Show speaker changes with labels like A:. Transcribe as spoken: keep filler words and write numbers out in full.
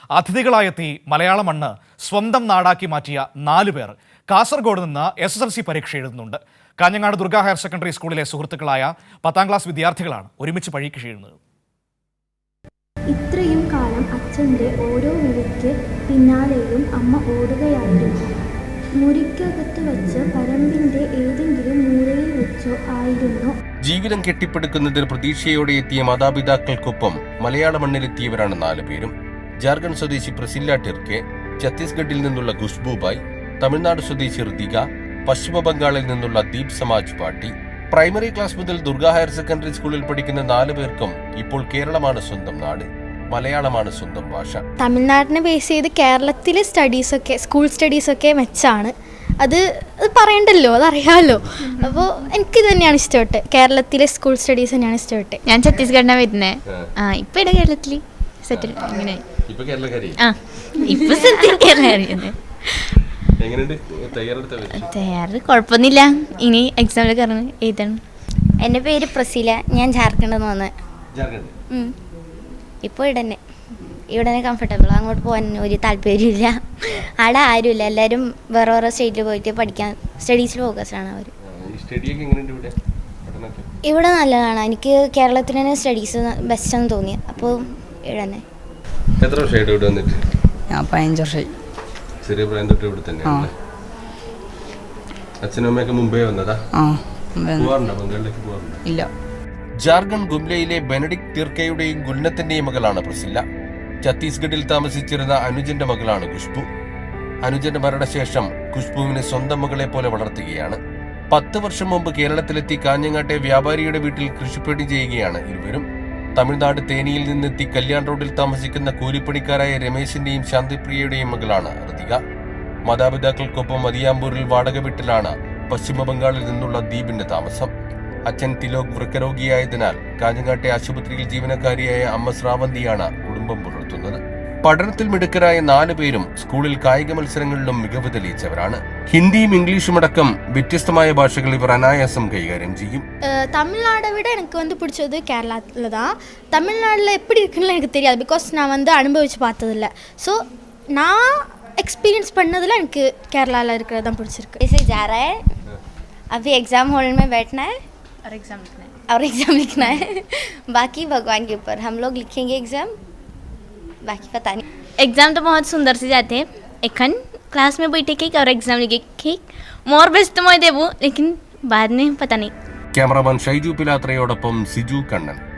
A: അതിഥികളായെത്തി മലയാള മണ്ണ് സ്വന്തം നാടാക്കി മാറ്റിയ നാലു പേർ കാസർഗോഡ് നിന്ന് എസ് എസ് എൽ സി പരീക്ഷ എഴുതുന്നുണ്ട്. കാഞ്ഞങ്ങാട് ദുർഗ ഹയർ സെക്കൻഡറി സ്കൂളിലെ സുഹൃത്തുക്കളായ പത്താം ക്ലാസ് വിദ്യാർത്ഥികളാണ് ഒരുമിച്ച് പരീക്ഷ എഴുതുന്നത്.
B: ഇത്രയും കാലം അച്ഛൻ്റെ ഓരോ വിളിക്ക് പിന്നാലെയും അമ്മ ഓടുകയായിരുന്നു. മുറിക്കകത്ത് വെച്ച് പറമ്പിന്റെ ഏതെങ്കിലും മൂലയിൽ വെച്ചോ ആയിരുന്നു.
C: ജീവിതം കെട്ടിപ്പടുക്കുന്നതിന് പ്രതീക്ഷയോടെ എത്തിയ മാതാപിതാക്കൾക്കൊപ്പം മലയാള മണ്ണിലെത്തിയവരാണ് നാല് പേരും. ജാർഖണ്ഡ് സ്വദേശി പ്രസില്ല ടിർക്കെ, ഛത്തീസ്ഗഡിൽ നിന്നുള്ള ഖുഷ്ബുബായ്, തമിഴ്നാട് സ്വദേശി ഋതിക, പശ്ചിമ ബംഗാളിൽ നിന്നുള്ള ദീപ് സമാജ് പാട്ടി. പ്രൈമറി ക്ലാസ് മുതൽ ദുർഗ ഹയർ സെക്കൻഡറി സ്കൂളിൽ പഠിക്കുന്ന നാല് പേർക്കും ഇപ്പോൾ കേരളമാണ് സ്വന്തം നാട്, മലയാളമാണ് സ്വന്തം ഭാഷ.
D: തമിഴ്നാടിനെ ബേസ് ചെയ്ത് കേരളത്തിലെ സ്റ്റഡീസൊക്കെ സ്കൂൾ സ്റ്റഡീസൊക്കെ മെച്ചാണ്. അത് അത് പറയണ്ടല്ലോ, അതറിയാമല്ലോ. അപ്പോൾ എനിക്ക് തന്നെയാണ് ഇഷ്ടപ്പെട്ടെ, കേരളത്തിലെ സ്കൂൾ സ്റ്റഡീസ് തന്നെയാണ് ഇഷ്ടപ്പെട്ടെ.
E: ഞാൻ ഛത്തീസ്ഗഡിനാണ് വരുന്നത്. ആ ഇപ്പം ഇവിടെ കേരളത്തിൽ സെറ്റിൽ ഇങ്ങനെ ആ ഇപ്പം തയ്യാറ് കുഴപ്പമൊന്നുമില്ല. ഇനി എക്സാമിൽ കയറണം, എഴുതണം.
F: എൻ്റെ പേര് പ്രസീല, ഞാൻ ജാർഖണ്ഡിൽ നിന്ന് വന്നത്. ഇപ്പോൾ ഇവിടെ തന്നെ ഇവിടെ തന്നെ കംഫർട്ടബിൾ. അങ്ങോട്ട് പോകാൻ ഒരു താല്പര്യമില്ല. അവിടെ ആരുമില്ല, എല്ലാവരും വേറെ വേറെ സ്റ്റേറ്റിൽ പോയിട്ട് പഠിക്കാൻ സ്റ്റഡീസിൽ ഫോക്കസ്ഡാണ് അവർ. ഇവിടെ നല്ലതാണ്. എനിക്ക് കേരളത്തിൽ തന്നെ സ്റ്റഡീസ് ബെസ്റ്റാന്ന് തോന്നി. അപ്പോൾ ഇവിടെ തന്നെ.
C: എത്ര വർഷമായിട്ട് ഇവിടെ വന്നിട്ട്?
G: ഞാൻ പതിനഞ്ച് വർഷമായി.
C: ചെറിയ പ്രായം തൊട്ട് ഇവിടെ തന്നെയാണ്. അച്ഛനും അമ്മയൊക്കെ മുമ്പേ വന്നതാ? ബംഗാളിലേക്ക് പോകാറുണ്ടോ?
G: ഇല്ല.
C: ജാർഖണ്ഡ് ഗുംലയിലെ ബെനഡിക് തിർക്കയുടെയും ഗുൽനത്തിന്റെയും മകളാണ് പ്രസില്ല. ഛത്തീസ്ഗഡിൽ താമസിച്ചിരുന്ന അനുജന്റെ മകളാണ് ഖുഷ്ബു. അനുജന്റെ മരണശേഷം ഖുഷ്ബുവിനെ സ്വന്തം മകളെ പോലെ വളർത്തുകയാണ്. പത്ത് വർഷം മുമ്പ് കേരളത്തിലെത്തി കാഞ്ഞങ്ങാട്ടെ വ്യാപാരിയുടെ വീട്ടിൽ കൃഷിപ്പണി ചെയ്യുകയാണ് ഇരുവരും. തമിഴ്നാട് തേനിയിൽ നിന്നെത്തി കല്യാൺ റോഡിൽ താമസിക്കുന്ന കൂലിപ്പണിക്കാരായ രമേശിന്റെയും ശാന്തിപ്രിയയുടെയും മകളാണ് ഋതിക. മാതാപിതാക്കൾക്കൊപ്പം മദിയാമ്പൂരിൽ വാടക വീട്ടിലാണ് പശ്ചിമ ബംഗാളിൽ നിന്നുള്ള ദീപിന്റെ താമസം. അച്ഛൻ തിലോക് വൃക്കരോഗിയായതിനാൽ കാഞ്ഞങ്ങാട്ടെ ആശുപത്രിയിൽ ജീവനക്കാരിയായ അമ്മ ശ്രാവന്തിയാണ് കുടുംബം പുലർത്തുന്നത്. പഠനത്തിൽ മിടുക്കരായ നാലു പേരും സ്കൂളിൽ കായിക മത്സരങ്ങളിലും മികവ് തെളിയിച്ചവരാണ്. ഹിന്ദിയും ഇംഗ്ലീഷും അടക്കം വ്യത്യസ്തമായ ഭാഷകൾ ഇവർ അനായാസം കൈകാര്യം ചെയ്യും.
D: தமிழ்நாடை விட எனக்கு வந்து பிடிச்சது கேரளாவில் தான். தமிழ்நாட்டில் எப்படி இருக்குன்னு எனக்கு தெரியாது, பிகாஸ் நான் வந்து அனுபவித்து பார்த்ததில்ல. ஸோ நான் எக்ஸ்பீரியன்ஸ் பண்ணதில் எனக்கு கேரளாவில் இருக்கிறது தான் பிடிச்சிருக்கு.
F: इसे जा रहा है, अभी एग्ज़ाम हॉल में बैठना है
E: और एग्जाम लिखना है
F: और एग्ज़ाम लिखना है. बाकी भगवान के ऊपर, हम लोग लिखेंगे एग्ज़ाम, बाकी पता नहीं.
E: एग्जाम तो बहुत सुंदर से जाते हैं. एखन क्लास में बैठे केक और एग्जाम लिखे केक मोर बेस्ट तो मैं देवो, लेकिन बाद में पता नहीं.
C: ക്യാമറാമാൻ ഷൈജു പിലാത്രയോടൊപ്പം സിജു കണ്ണൻ.